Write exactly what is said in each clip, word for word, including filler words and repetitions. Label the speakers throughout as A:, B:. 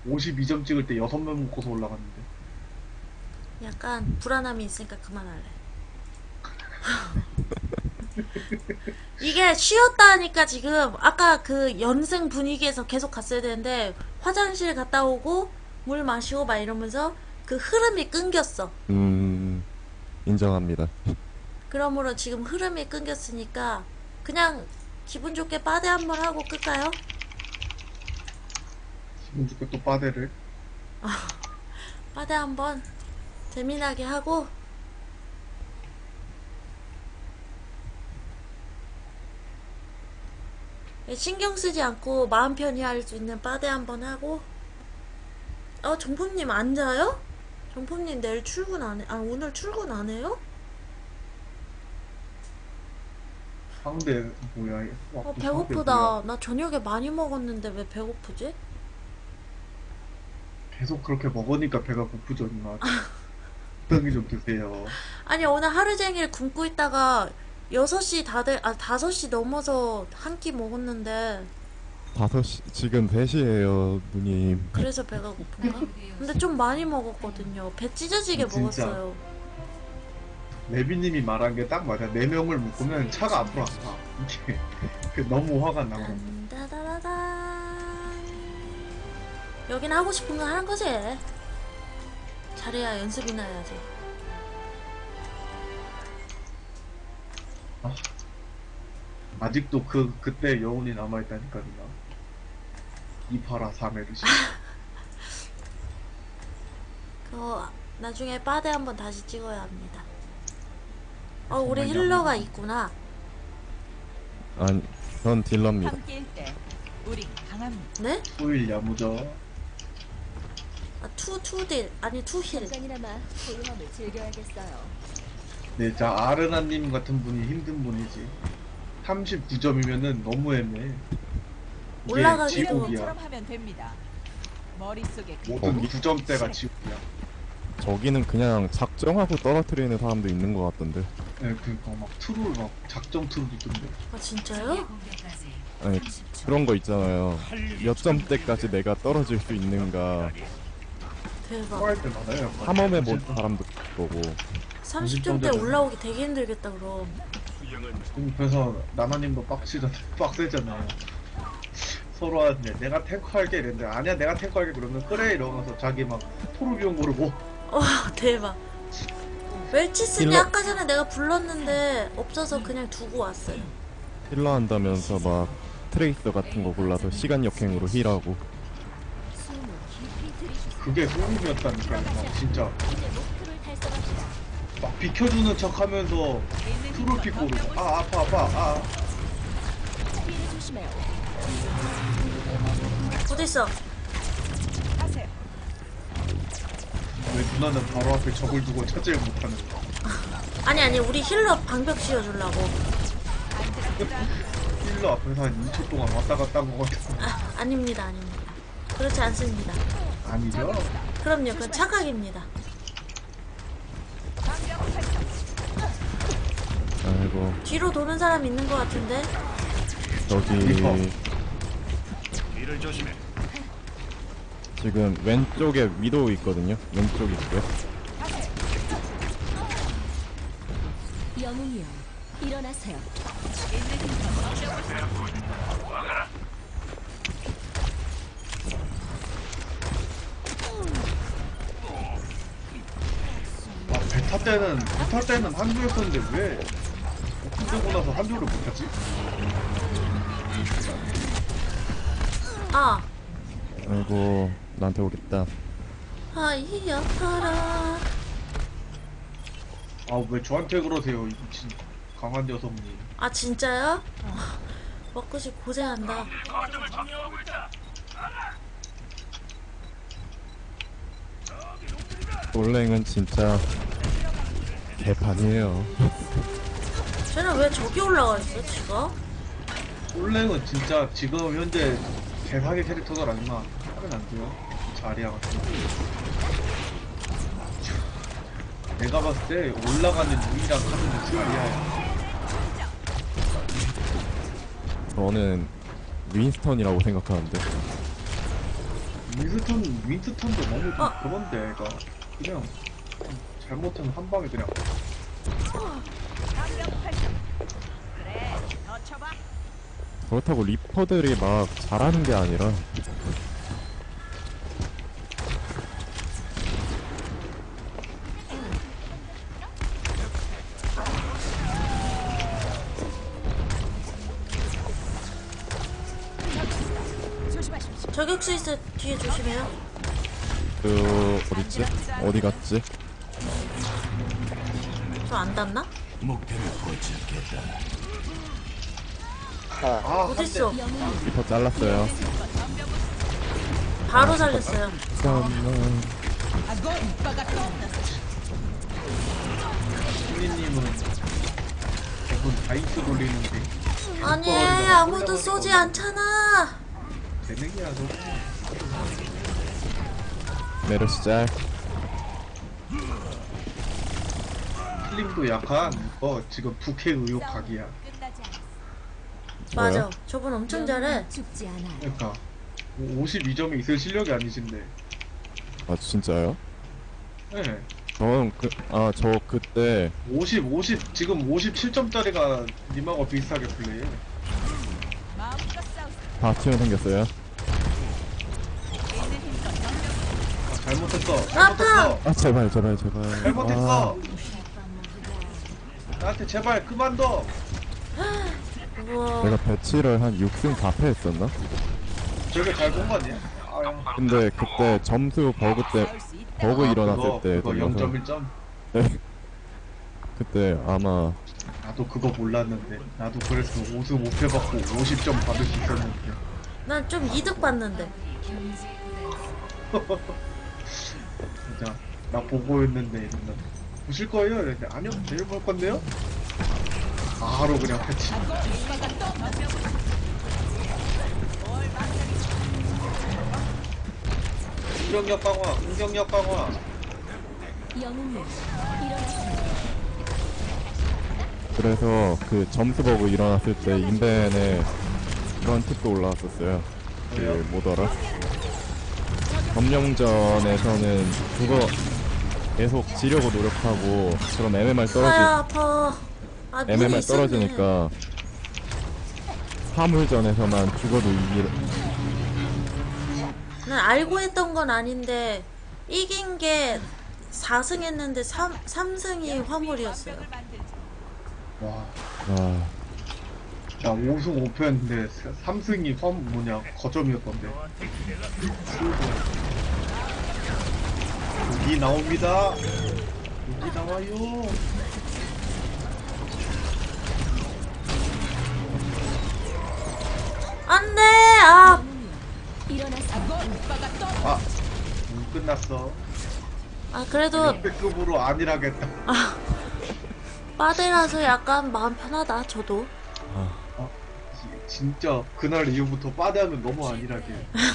A: 오십이 점 찍을 때 여섯 명 먹고서 올라갔는데.
B: 약간 불안함이 있으니까 그만할래. 이게 쉬었다 하니까 지금 아까 그 연승 분위기에서 계속 갔어야 되는데 화장실 갔다 오고 물 마시고 막 이러면서 그 흐름이 끊겼어.
C: 음, 인정합니다.
B: 그러므로 지금 흐름이 끊겼으니까 그냥 기분 좋게 빠데 한번 하고 끌까요?
A: 기분 좋게 또 빠데를.
B: 빠데 한번 재미나게 하고 신경 쓰지 않고 마음 편히 할 수 있는 빠데 한번 하고. 어, 정품님 안 자요? 정품님 내일 출근 안 해? 아, 오늘 출근 안 해요?
A: 상대 뭐야? 와,
B: 어,
A: 또 상대
B: 배고프다.
A: 뭐야?
B: 나 저녁에 많이 먹었는데 왜 배고프지?
A: 계속 그렇게 먹으니까 배가 고프죠, 누나. 적당히 좀 드세요.
B: 아니, 오늘 하루 종일 굶고 있다가 여섯 시 다들, 아, 다섯 시 넘어서 한 끼 먹었는데
C: 다섯 시, 지금 세 시에요, 누님.
B: 그래서 배가 고픈가? 근데 좀 많이 먹었거든요. 배 찢어지게
A: 진짜.
B: 먹었어요.
A: 레비님이 말한 게 딱 맞아. 네 명을 묶으면 차가 앞으로 안 가. 이게 그 너무 화가 나고.
B: 딴따다라단. 여긴 하고 싶은 거 하는 거지. 잘해야 연습이나 해야지.
A: 아, 아직도 그 그때 여운이 남아 있다니까 누나. 이파라 사메르시.
B: 그거 나중에 빠데 한번 다시 찍어야 합니다. 어, 우리
A: 정말
B: 힐러가
A: 야무지다.
B: 있구나.
C: 아니, 전 딜러입니다.
D: 함께일 때 우린 강합니다.
B: 네?
A: 후일 야무져.
B: 아, 투, 투딜. 아니, 투힐.
E: 잠깐이나마 고요함을 즐겨야겠어요.
A: 네, 자 아르나님 같은 분이 힘든 분이지. 삼십구 점이면은 너무 애매해. 이게
B: 올라가기도-
A: 지옥이야.
D: 처럼 하면 됩니다. 머릿속에 그
A: 모든 구 점대가 지옥이야.
C: 저기는 그냥 작정하고 떨어뜨리는 사람도 있는 것 같던데.
A: 네, 그니까 막 트롤 막 작정 트롤 있던데.
B: 아, 진짜요?
C: 아니, 그런 거 있잖아요. 몇 점대까지 내가 떨어질 수 있는가.
B: 대박.
A: 토할 때 많아요. 약간.
C: 탐험해 본 사람도 보고.
B: 삼십 점대 올라오기 되게 힘들겠다, 그럼.
A: 음, 그래서 나나님도 빡치잖아, 빡세잖아요. 서로 하는데 내가 탱커 할게 이랬는데 아니야 내가 탱커 할게 그러면 그래 이러면서 자기 막 토르비온 고르고.
B: 어, 대박. 웰치스니
C: 힐러-
B: 아까 전에 내가 불렀는데 없어서 그냥 두고 왔어요.
C: 힐러 한다면서 막 트레이서 같은 거 골라서 시간 역행으로 힐하고.
E: 숨을 깊이 들이쉬세요.
A: 그게 소름이었다니까요. 막 진짜
E: 이제 목표를 달성합시다.
A: 막 비켜주는 척하면서 트롤피 고르고 아 아파 아파 아
E: 피해 조심해요.
B: 어딨어?
D: 하세요.
A: 왜 누나는 바로 앞에 적을 두고 차지를 못하는 거야.
B: 아니, 아니, 우리 힐러 방벽 씌워주려고.
A: 힐러 앞에서 한 이 초 동안 왔다 갔다 한 거 같아.
B: 아, 아닙니다, 아닙니다. 그렇지 않습니다.
A: 아니죠?
B: 그럼요, 그건 착각입니다.
C: 아이고,
B: 뒤로 도는 사람 있는 것 같은데?
C: 저기
A: 리퍼.
C: 지금 왼쪽에 위도우 있거든요. 왼쪽 있고요.
E: 영웅이여, 일어나세요.
A: 아, 베타 때는 베타 때는 한조였었는데 왜 오픈되고 나서 한조를 못하지?
B: 아,
C: 아이고, 나한테 오겠다.
B: 아이, 아파라.
A: 아 왜 저한테 그러세요 이 미친 강한 여성님.
B: 아, 진짜요? 먹고시 고생한다.
C: 솔랭은 진짜 개판이에요.
B: 쟤는 왜 저기 올라가 있어, 지가?
A: 솔랭은 진짜 지금 현재 개사기 캐릭터들 아니나 하면 안 돼요. 자리야 같은 거. 내가 봤을 때 올라가는 유일한 카드는 자리야야.
C: 저는 윈스턴이라고 생각하는데.
A: 윈스턴 윈스턴도 너무 좀
B: 어.
A: 그런데 얘가 그냥 잘못하면 한 방에 그냥
D: 그래, 더 쳐봐.
C: 그렇다고 리퍼들이 막 잘하는 게 아니라
D: 조심하십시오.
B: 저격수 있어 뒤에 조심해요.
C: 그 어딨지? 어디 갔지?
B: 저 안 닿나?
A: 아
B: 어딨어?
C: 리퍼 잘랐어요.
B: 바로 살렸어요.
C: 잠깐만.
A: 신리님은 대부분 다이스 돌리는데
B: 아니 아무도 쏘지 않잖아.
A: 재능이야 너.
C: 메르시 짤.
A: 슬림도 약간 어 지금 부캐 의혹 각이야.
D: 끝나지 않았어.
B: 맞아.
C: 뭐요?
B: 저분 엄청 잘해.
E: 죽지 않아요.
A: 그러니까 오십이 점이 있을 실력이 아니신데.
C: 아 진짜요?
A: 네.
C: 저는 그 아 저 그때
A: 오십, 오십 지금 오십칠 점짜리가 님하고 비슷하게 플레이해.
D: 마음껏 싸우세요.
C: 바티온 생겼어요.
D: 있는 힘껏
A: 아, 잘못했어.
B: 아파!
A: 잘못했어.
C: 아 제발 제발 제발.
A: 잘못했어. 나한테 제발 그만둬.
B: 우와.
C: 내가 배치를 한 육 승 사 패 했었나?
A: 저게 잘 본 거 아니야? 아유.
C: 근데 그때 점수 버그 때
D: 싸울 수 있다.
C: 버그
A: 아,
C: 일어났을
A: 그거,
C: 때
A: 그거
C: 돌려서
A: 영 점 일 점.
C: 네. 그때 아마
A: 나도 그거 몰랐는데. 나도 그래서 오 승 오 패 받고 오십 점 받을 수 있었는데.
B: 난 좀 이득 봤는데.
A: 진짜 나 보고 있는데 이러면 보실 거예요? 이랬는데 아니요 내일 볼 건데요? 바로 그냥 패치. 공격력 강화, 공격력 강화.
E: 영웅님 일어나세요.
C: 그래서 그 점수 버그 일어났을 때 인벤에 그런 팁도 올라왔었어요. 그
A: 뭐요?
C: 뭐더라? 점령전에서는 그거 계속 지려고 노력하고 그럼 엠엠알
B: 아야
C: 떨어지
B: 아파. 아 눈이
C: 엠엠알
B: 있었네.
C: 떨어지니까 화물전에서만 죽어도 이길
B: 난 알고 했던 건 아닌데 이긴 게 사 승 했는데 삼, 삼 승이 화물이었어요.
A: 와,
C: 아
A: 나 오 승 오 패였는데 삼 승이 화 뭐냐 거점이었던데. 여기 나옵니다. 여기 나와요.
B: 안돼. 아
E: 일어나세요.
A: 아, 음, 끝났어.
B: 아 그래도
A: 역대급으로 안일하겠다.
B: 빠데라서 약간 마음 편하다. 저도.
A: 지- 진짜 그날 이후부터 빠대하면 너무 안일하게.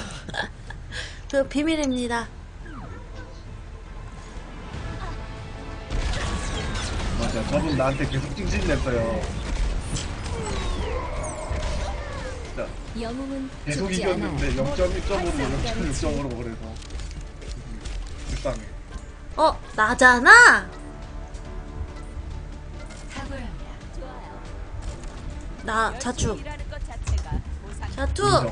B: 그 비밀입니다.
A: 맞아, 저분 나한테 계속 찡찡댔어요. 진짜
E: 영웅은
A: 계속
E: 죽지 않아요.
A: 이겼는데 영 점 일 점으로 영 점 육 점으로 그래서 불쌍해.
B: 어 나잖아.
E: 좋아요.
B: 나 자축.
D: 일하는 것 자체가 보상.
B: 자투.
A: 인정.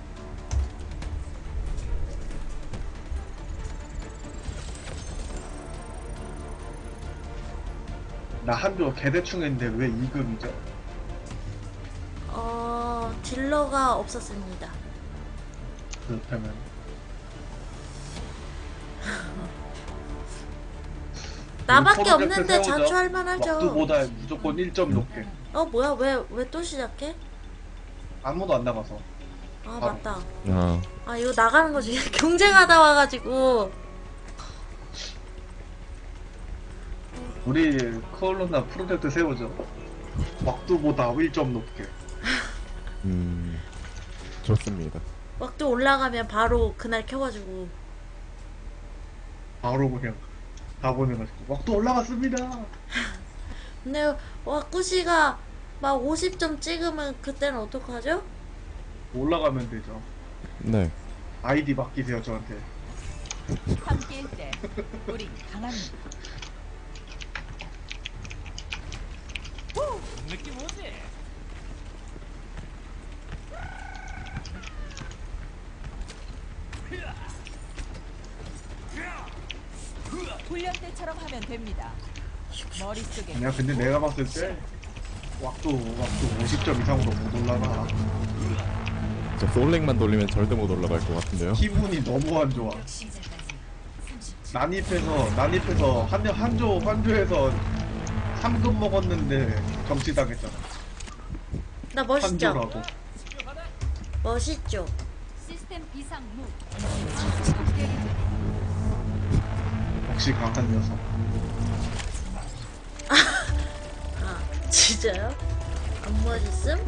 A: 나 한조 개대충 했는데 왜 이 급이죠?
B: 어 딜러가 없었습니다.
A: 그렇다면
B: 나밖에
A: 프로젝트
B: 없는데
A: 세우죠.
B: 자초할 만하죠.
A: waktu보다 무조건 일 점 높게.
B: 어 뭐야 왜 왜 또 시작해?
A: 아무도 안 나가서.
B: 아
A: 바로.
B: 맞다.
C: 아,
B: 아 이거 나가는 거지. 경쟁하다 와가지고.
A: 우리 코올로나 프로젝트 세우죠. waktu보다 일 점 높게.
C: 음 좋습니다.
B: 막또 올라가면 바로 그날 켜가지고.
A: 바로 그냥 다 보내가지고 waktu 올라갔습니다.
B: 근데 와꾸씨가 막 오십 점 찍으면 그때는 어떡하죠?
A: 올라가면 되죠.
C: 네
A: 아이디 맡기세요 저한테.
D: 함께일 때 우린 강합니다.
F: 느낌 오지?
D: 훈련 때처럼 하면 됩니다. 머릿속에
A: 아니야 근데 내가 봤을 때 왁도 왁도 오십 점 이상으로 못 올라가.
C: 저 솔랭만 돌리면 절대 못 올라갈 것 같은데요.
A: 기분이 너무 안 좋아. 난입해서 난입해서 한 한조 한조에서 삼 급 먹었는데 정치당했잖아.
B: 나 멋있죠?
A: 한조라고.
B: 멋있죠?
E: 시스템 비상 무.
A: 역시 강한 녀석.
B: 아 진짜요? 안 멋있음?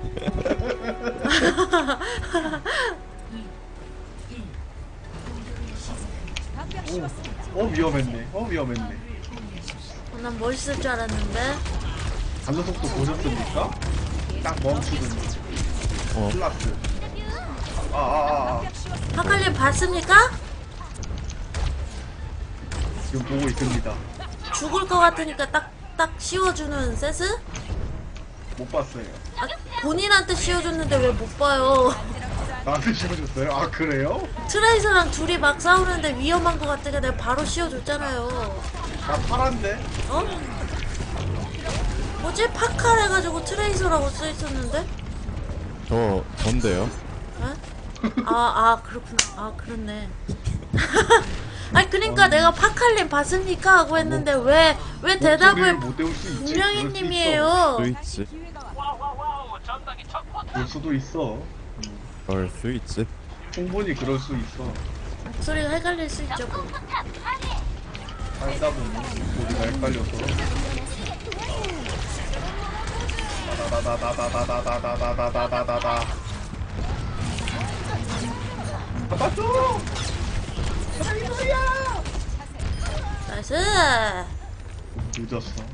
D: 방벽 씌웠습니다.
A: 어 위험했네. 어 위험했네.
B: 어, 난 멋있을 줄 알았는데.
A: 반응 속도 보셨습니까? 딱 멈추더니
C: 어,
A: 플라스. 아아아 아, 아.
B: 파칼님 봤습니까?
A: 지금 보고 있습니다.
B: 죽을 것 같으니까 딱, 딱 씌워주는 세스?
A: 못 봤어요.
B: 아, 본인한테 씌워줬는데 왜 못 봐요?
A: 나한테 씌워줬어요? 아 그래요?
B: 트레이서랑 둘이 막 싸우는데 위험한 것 같으니까 내가 바로 씌워줬잖아요.
A: 나 파란데?
B: 어? 뭐지? 파칼 해가지고 트레이서라고 써있었는데?
C: 저 전데요.
B: 어? 아, 아, 그렇구나. 아, 그렇네. 아니, 그니까 내가 파칼님 봤습니까? 하고 했는데 왜, 왜
A: 목소리를
B: 대답을
A: 못 외울 수 있지.
B: 분명히
A: 그럴 수
B: 님이에요.
C: 스위치.
D: 기회가 왔
F: 와와와우 전방에 적
A: 있어. 그럴 수도 있어.
C: 걸 스위치.
A: 충분히 그럴 수 있어.
B: 목소리가 헷갈릴 수 있죠, 뭐.
A: 살다 보면 우리가 헷갈려서. 다다다다다다다다다다다다다다. 잡았어!
B: 나이스!
A: 늦었어.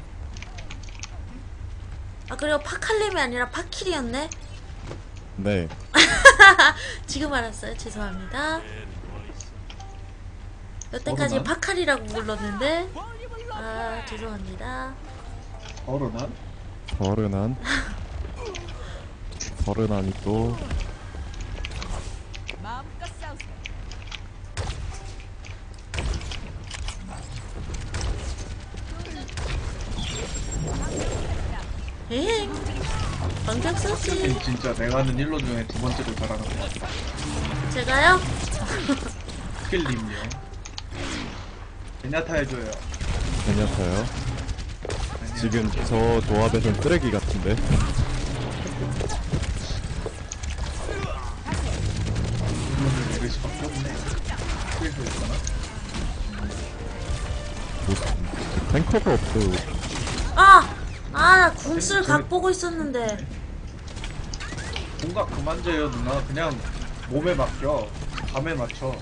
B: 아, 그리고 파칼님이 아니라 파킬이었네?
C: 네.
B: 지금 알았어요. 죄송합니다. 여태까지
A: 어른아?
B: 파칼이라고 불렀는데, 아, 죄송합니다.
A: 어른한?
C: 서른한. 서른한이 또
D: 마음껏 싸우세요.
B: 에잉! 방벽 썼지.
A: 진짜 내가 아는 힐러 중에 두 번째로 잘하는 것 같아.
B: 제가요?
A: 스킬님이요. 베냐타 해줘요.
C: 괜찮아요.
A: 아니야.
C: 지금 저 조합에선 쓰레기 같은데.
A: 힐러를 내릴 수밖에 없네. 스킬도 있잖아.
C: 뭐, 탱커가 없어요.
B: 아! 아, 나 궁쓸 각 보고 있었는데.
A: 공각 그만 줘요 누나. 그냥 몸에 맡겨. 감에 맞춰.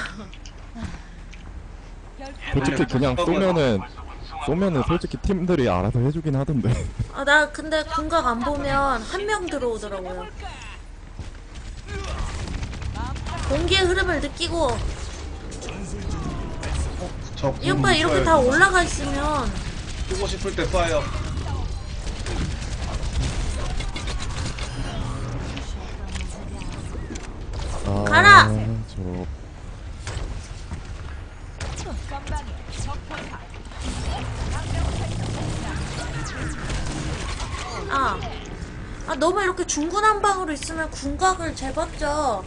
C: 솔직히 그냥 쏘면은 쏘면은 솔직히 팀들이 알아서 해주긴 하던데.
B: 아, 나 근데 궁각 안 보면 한 명 들어오더라고요. 공기의 흐름을 느끼고,
A: 저
B: 이 오빠 이렇게 다 올라가 있으면,
A: 쓰고 싶을 때 쏴요.
C: 아,
B: 가라!
C: 저
D: 전방에 적포탑.
B: 아. 아, 너무 이렇게 중구난방으로 있으면 궁각을 재봤죠.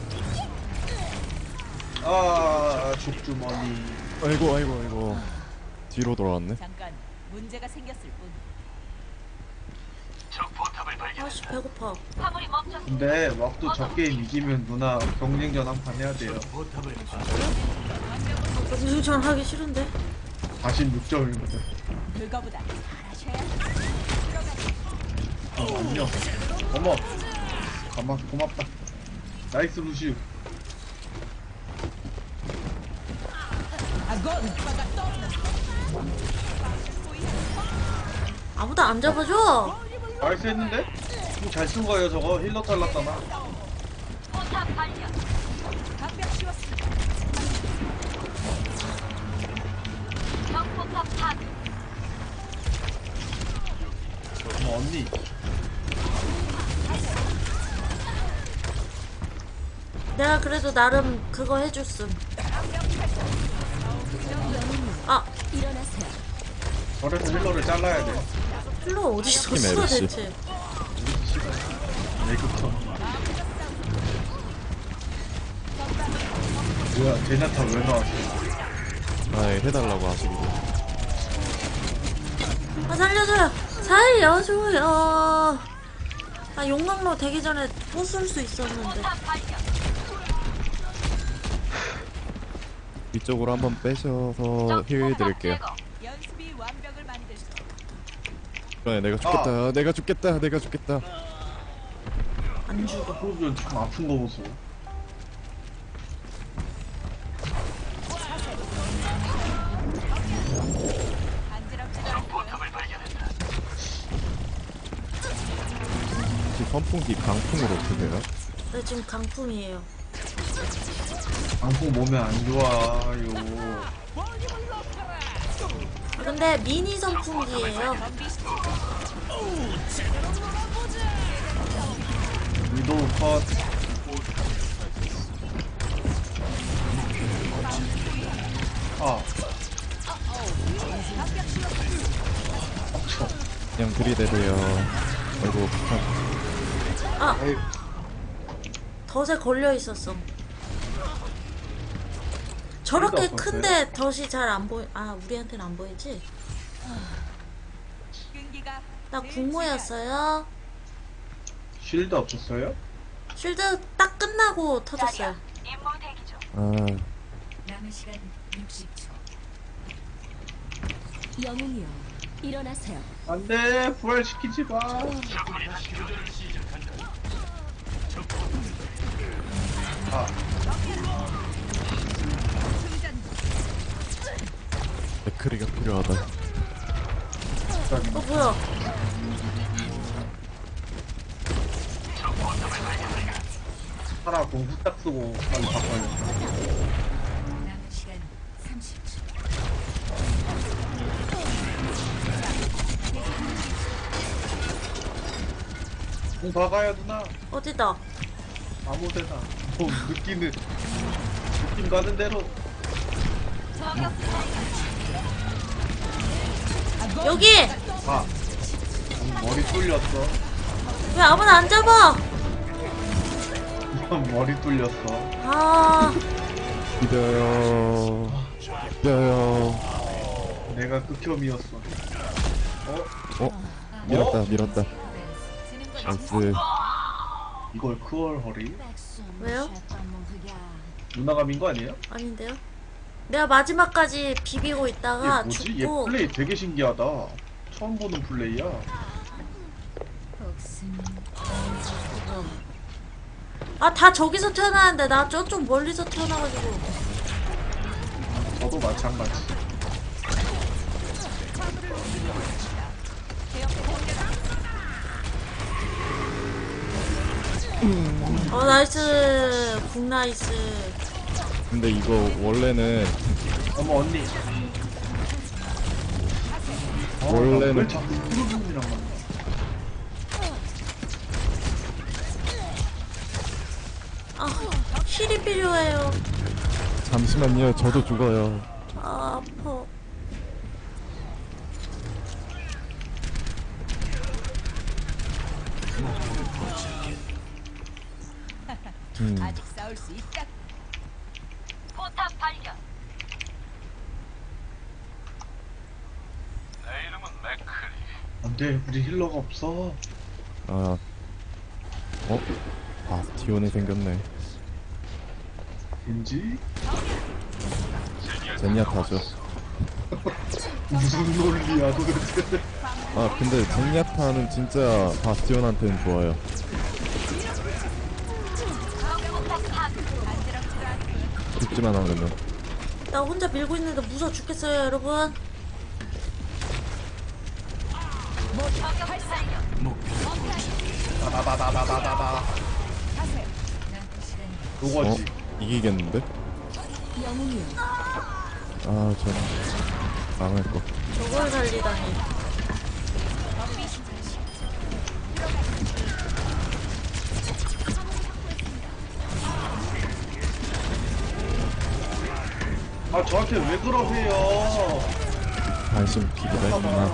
A: 아 족주머니.
C: 아이고 아이고 아이고 뒤로 돌아왔네.
D: 잠깐 문제가 생겼을 뿐.
F: 적 포탑을 발견.
B: 아씨, 배고파.
A: 근데 왁도 저 게임 이기면 누나 경쟁전 한 판 해야 돼요.
F: 포탑을
B: 무슨 전 하기 싫은데.
A: 사십육 점이거든.
D: 그거보다 잘하셔야
A: 어, 안녕. 어머. 가만 고맙다. 나이스 루시우.
D: 아고 오빠가 떠.
B: 아무도 안 잡아줘.
A: 나이스 했는데? 잘 쓴 거예요 저거. 힐러 탈랐잖아.
D: 방벽 씌웠습니다.
B: 내가 그래도 나름 그거 해줬음. 아,
A: 저래서 힐러를 잘라야 돼.
B: 힐러 어디서
C: 팀
B: 써
C: 에르시.
B: 대체?
A: 메이크업. 뭐야, 제냐타 왜 나왔어?
C: 아 해달라고 하시기로.
B: 아, 살려줘요! 살려줘요! 아, 용광로 되기 전에 부술 수 있었는데.
C: 위쪽으로 한번 빼셔서 힐 드릴게요.
D: 연습이 완벽을 만들 수.
C: 그래 내가 죽겠다. 내가 죽겠다. 내가 죽겠다.
B: 안 죽어.
A: 프로비언 참 아픈 거 보소.
D: 간지럽지도 않고요.
C: 혹시 선풍기 강풍으로 드세요?
B: 네, 지금 강풍이에요.
A: 방풍 몸에 안 좋아요.
B: 아, 근데 미니 선풍기예요.
A: 위도우 컷. 아,
C: 그냥 들이대세요. 아이고 북한.
B: 아,
A: 에이,
B: 덫에 걸려 있었어. 저렇게
A: 없었어요?
B: 큰데 덫이 잘 안 보이. 아, 우리한테는 안 보이지?
D: 끈기가
B: 나
D: 늘
B: 국모였어요.
A: 쉴드 없었어요?
B: 쉴드 딱 끝나고 터졌어요.
C: 아
E: 남은 시간 육십 초. 영웅이여, 일어나세요.
A: 안 돼, 부활시키지 마. 아,
C: 맥크리가 필요하다.
B: 어, 뭐야?
A: 하나 공 후딱 쓰고 빨리 바꿔야
E: 남은 시간 삼십 초.
A: 공 박아야 누나.
B: 어디다?
A: 아무데나. 뭐 느끼는 느낌 가는 대로.
B: 여기!
A: 아, 음, 머리 뚫렸어.
B: 왜 아무나 안 잡아?
A: 머리 뚫렸어.
B: 아,
C: 기다려. 기다려.
A: 내가 극혐이었어. 어?
C: 어? 밀었다 밀었다. 나이스.
A: 이걸 크월 허리?
B: 왜요?
A: 누나가 민 거 아니에요?
B: 아닌데요? 내가 마지막까지 비비고
A: 얘
B: 있다가
A: 뭐지? 얘
B: 죽고.
A: 플레이 되게 신기하다. 처음 보는 플레이야.
B: 아, 다 저기서 태어나는데 나 저쪽 멀리서 태어나가지고.
A: 저도 마찬가지.
B: 어, 나이스. 국 나이스.
C: 근데 이거 원래는
A: 어머 언니. 어,
C: 원래는-
A: 왜 자꾸 프로뷰이랑 만나?
B: 아, 힐이 필요해요.
C: 잠시만요. 저도 죽어요.
B: 아, 아파.
C: 음.
D: 아직 싸울 수 있다.
F: 포탑 발견. 내 이름은 맥크리.
A: 안돼, 우리 힐러가 없어.
C: 아. 어? 바스티온이 생겼네.
A: 왠지
C: 젠야타죠.
A: 무슨 논리야 도대체.
C: 아 근데 젠야타는 진짜 바스티온한테는 좋아요. 죽지만 않으면.
B: 나 혼자 밀고 있는데 무서워 죽겠어요, 여러분.
A: 나나나나나나나. 요거지.
C: 어? 이기겠는데?
E: 영웅이여,
C: 아, 저 망할 거.
B: 저걸 살리다니.
A: 아 저한테 왜 그러세요?
C: 관심 기기도 했구나.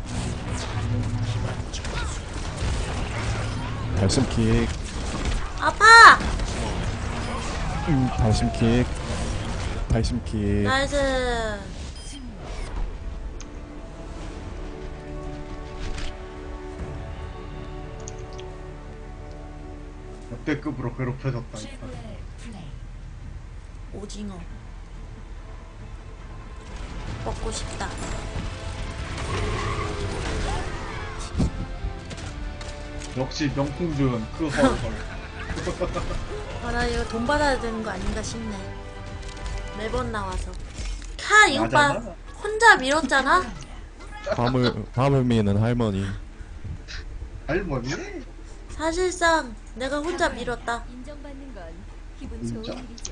C: 발심킥.
B: 아파!
C: 음, 발심킥. 발심킥.
B: 나이스.
A: 역대급으로 괴롭혀졌다.
E: 최고의 플레이.
B: 오징어. 먹고 싶다.
A: 역시 명품 조연 그 헐헐.
B: 아, 나 이거 돈 받아야 되는 거 아닌가 싶네. 매번 나와서. 카, 이거 봐.
A: 나잖아.
B: 혼자 밀었잖아?
C: 밤을 밤을 미는 할머니.
A: 할머니?
B: 사실상 내가 혼자 밀었다.
E: 인정받는 건 기분
A: 진짜?
E: 좋은 일이죠.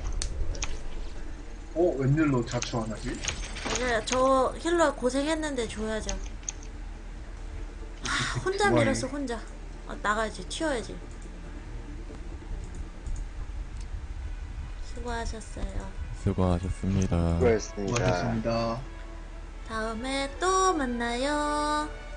A: 어 웬일로 자초 안 하지?
B: 이제 저 힐러 고생했는데 줘야죠. 아, 혼자
A: 좋아해.
B: 밀었어, 혼자. 아, 나가야지, 튀어야지. 수고하셨어요.
C: 수고하셨습니다.
G: 수고했습니다.
A: 고맙습니다.
B: 다음에 또 만나요.